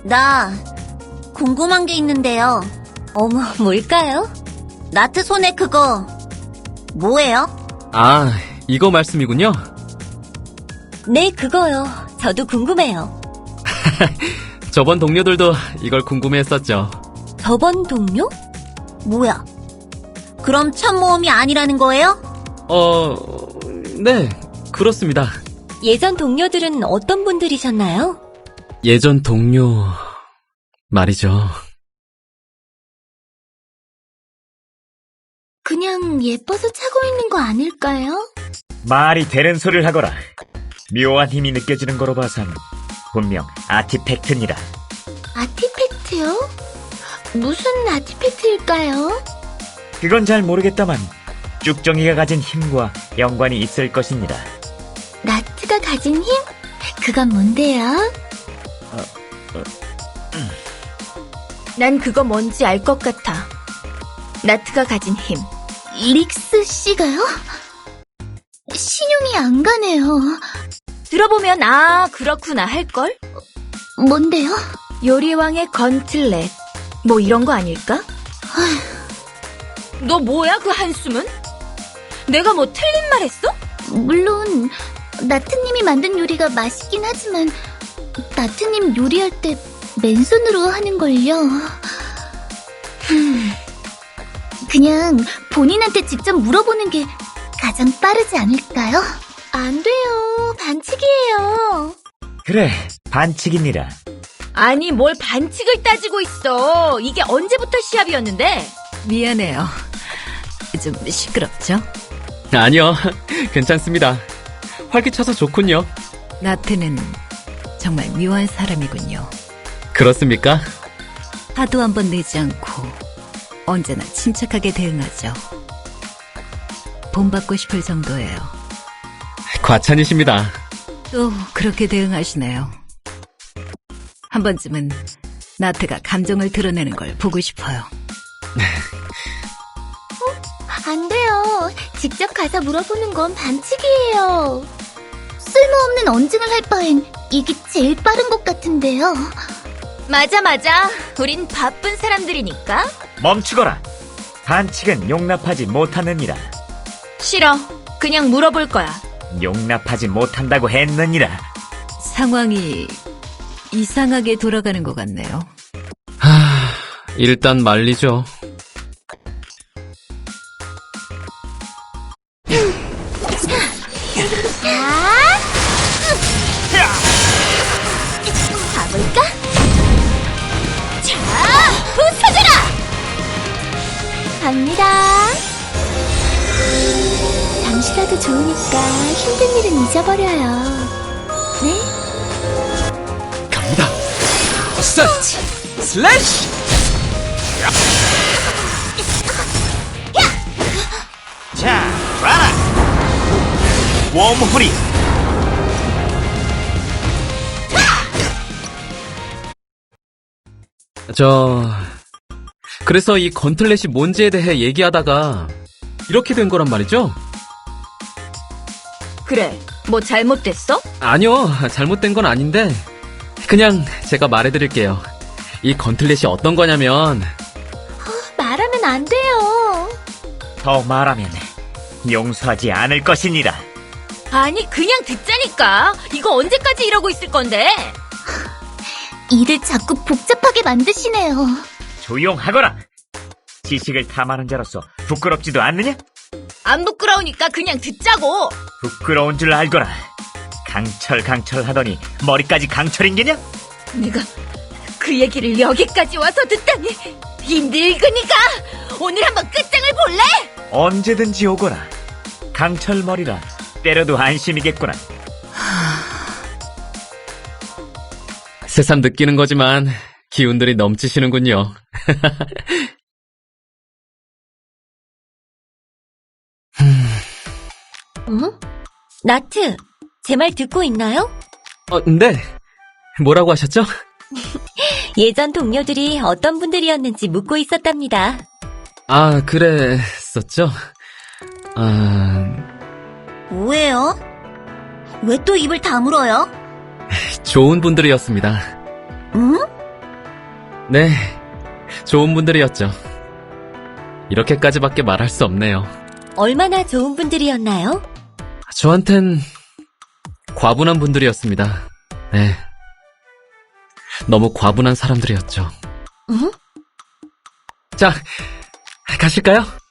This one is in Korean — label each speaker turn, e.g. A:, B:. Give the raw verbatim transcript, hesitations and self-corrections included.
A: 나 궁금한 게 있는데요.
B: 어머, 뭘까요?
A: 나트 손에 그거 뭐예요?
C: 아, 이거 말씀이군요.
B: 네, 그거요. 저도 궁금해요.
C: 저번 동료들도 이걸 궁금해했었죠.
B: 저번 동료?
A: 뭐야? 그럼 참모험이 아니라는 거예요?
C: 어, 네, 그렇습니다.
B: 예전 동료들은 어떤 분들이셨나요?
C: 예전 동료 말이죠.
A: 그냥 예뻐서 차고 있는 거 아닐까요?
D: 말이 되는 소리를 하거라. 묘한 힘이 느껴지는 거로 봐선 분명 아티팩트니라.
A: 아티팩트요? 무슨 아티팩트일까요?
D: 그건 잘 모르겠다만 쭉정이가 가진 힘과 연관이 있을 것입니다.
A: 나트가 가진 힘? 그건 뭔데요?
E: 난 그거 뭔지 알 것 같아. 나트가 가진 힘.
A: 릭스 씨가요? 신용이 안 가네요.
E: 들어보면 아 그렇구나 할걸?
A: 뭔데요?
E: 요리왕의 건틀렛 뭐 이런 거 아닐까? 너 뭐야 그 한숨은? 내가 뭐 틀린 말 했어?
A: 물론 나트님이 만든 요리가 맛있긴 하지만 나트님 요리할 때 맨손으로 하는걸요. 흠, 그냥 본인한테 직접 물어보는 게 가장 빠르지 않을까요? 안 돼요. 반칙이에요.
D: 그래, 반칙입니다.
E: 아니 뭘 반칙을 따지고 있어. 이게 언제부터 시합이었는데?
F: 미안해요. 좀 시끄럽죠?
C: 아니요, 괜찮습니다. 활기차서 좋군요.
F: 나트는 정말 묘한 사람이군요.
C: 그렇습니까?
F: 화도 한번 내지 않고 언제나 침착하게 대응하죠. 본받고 싶을 정도예요.
C: 과찬이십니다.
F: 또 그렇게 대응하시네요. 한 번쯤은 나트가 감정을 드러내는 걸 보고 싶어요.
A: 안 돼요. 직접 가서 물어보는 건 반칙이에요. 쓸모없는 언증을 할 바엔 이게 제일 빠른 것 같은데요.
E: 맞아 맞아. 우린 바쁜 사람들이니까.
D: 멈추거라. 반칙은 용납하지 못하느니라.
E: 싫어. 그냥 물어볼 거야.
D: 용납하지 못한다고 했느니라.
F: 상황이 이상하게 돌아가는 것 같네요.
C: 하, 일단 말리죠.
A: 가볼까? 자, 부서져라! 갑니다. 잠시라도 좋으니까 힘든 일은 잊어버려요. 네?
C: 갑니다. 스타트! 슬래시!
D: 자, 봐라. 웜홀이.
C: 저... 그래서 이 건틀렛이 뭔지에 대해 얘기하다가 이렇게 된 거란 말이죠?
E: 그래. 뭐 잘못됐어?
C: 아니요, 잘못된 건 아닌데 그냥 제가 말해드릴게요. 이 건틀렛이 어떤 거냐면
A: 말하면 안 돼요.
D: 더 말하면 용서하지 않을 것이니라.
E: 아니 그냥 듣자니까. 이거 언제까지 이러고 있을 건데?
A: 일을 자꾸 복잡하게 만드시네요.
D: 조용하거라. 지식을 탐하는 자로서 부끄럽지도 않느냐?
E: 안 부끄러우니까 그냥 듣자고.
D: 부끄러운 줄 알거라. 강철 강철 하더니 머리까지 강철인게냐?
E: 내가 그 얘기를 여기까지 와서 듣다니. 이 늙은이가 오늘 한번 끝장을 볼래?
D: 언제든지 오거라. 강철 머리라 때려도 안심이겠구나.
C: 새삼 느끼는 거지만 기운들이 넘치시는군요.
B: 응? 나트, 제 말 듣고 있나요?
C: 어, 네. 뭐라고 하셨죠?
B: 예전 동료들이 어떤 분들이었는지 묻고 있었답니다.
C: 아, 그랬었죠? 아...
A: 뭐예요? 왜 또 입을 다물어요?
C: 좋은 분들이었습니다.
A: 응?
C: 네, 좋은 분들이었죠. 이렇게까지밖에 말할 수 없네요.
B: 얼마나 좋은 분들이었나요?
C: 저한텐 과분한 분들이었습니다. 네. 너무 과분한 사람들이었죠.
B: 응?
C: 자, 가실까요?